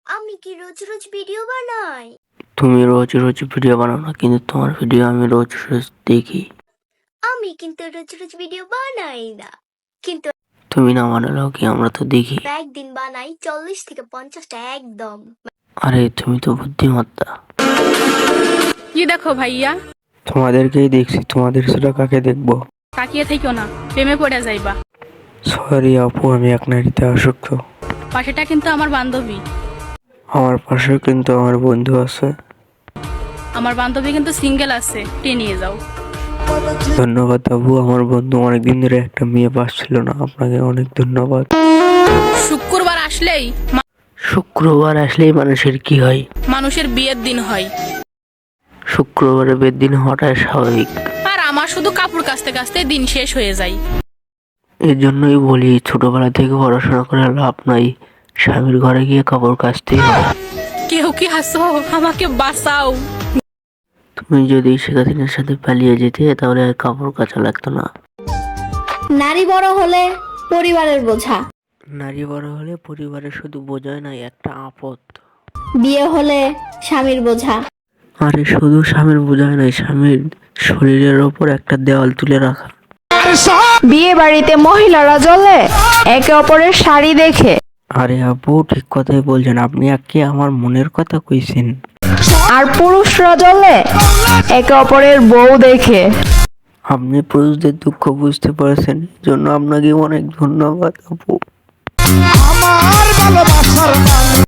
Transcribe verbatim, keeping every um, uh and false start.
আমি কি রোজ রোজ ভিডিও বানাই? তুমি রোজ রোজ ভিডিও বানাও না, কিন্তু তোমার ভিডিও আমি রোজ রোজ দেখি। আমি কিন্তু রোজ রোজ ভিডিও বানাই না, কিন্তু তুমি না বানালেও কি, আমরা তো দেখি। একদিন বানাই চল্লিশ থেকে পঞ্চাশটা একদম। আরে তুমি তো বুদ্ধিমত্তা। কি দেখো ভাইয়া? তোমাদেরকেই দেখছি, তোমাদের সেটা কাকে দেখবো? তাকিয়ে থেকো না, প্রেমে পড়ে যাইবা। সরি আপু, আমি এক নারীতে আসক্ত। পাশেটা কিন্তু আমার বান্ধবী। আমার পাশে কিন্তু আমার বন্ধু আছে। আমার বান্ধবী কিন্তু সিঙ্গেল আছে, টেনে নিয়ে যাও। ধন্যবাদ আপু, আমার বন্ধু অনেকদিন ধরে একটা মেয়ে পাচ্ছিল না, আপনাকে অনেক ধন্যবাদ। শুক্রবার আসলেই মা- শুক্রবার আসলেই মানুষের কি হয়? মানুষের বিয়ের দিন হয়। শুক্রবারে বের দিন হওয়াটাই স্বাভাবিক। আর আমার শুধু কাপড় কাচতে কাচতে দিন শেষ হয়ে যায়। এর জন্যই বলি, ছোটবেলা থেকে পড়াশোনা করে লাভ নাই, স্বামীর ঘরে গিয়ে কাপড় কাচতেই হয়। কেউ কি হাসো, আমাকে বাঁচাও। তুমি যদি শেখাদিনের সাথে পালিয়ে যেতে, তাহলে আর কাপড় কাচা লাগতো না। নারী বড় হলে পরিবারের বোঝা, নারী বড় হলে পরিবারের শুধু বোঝায় নাই, একটা আপদ। বিয়ে হলে স্বামীর বোঝা। আরে শুধু স্বামীর বোঝায় নাই, স্বামীর শরীরের ওপর একটা দেওয়াল তুলে রাখা। বিয়ে বাড়িতে মহিলারা জ্বলে একে অপরের শাড়ি দেখে, আরে আপু ঠিক কথাই বলছেন, আপনি আজকে আমার মনের কথা কইছেন। আর পুরুষরা জ্বলে একে অপরের বউ দেখে। আপনি পুরুষদের দুঃখ বুঝতে পারছেন, এই জন্য আপনাকে অনেক ধন্যবাদ আপু।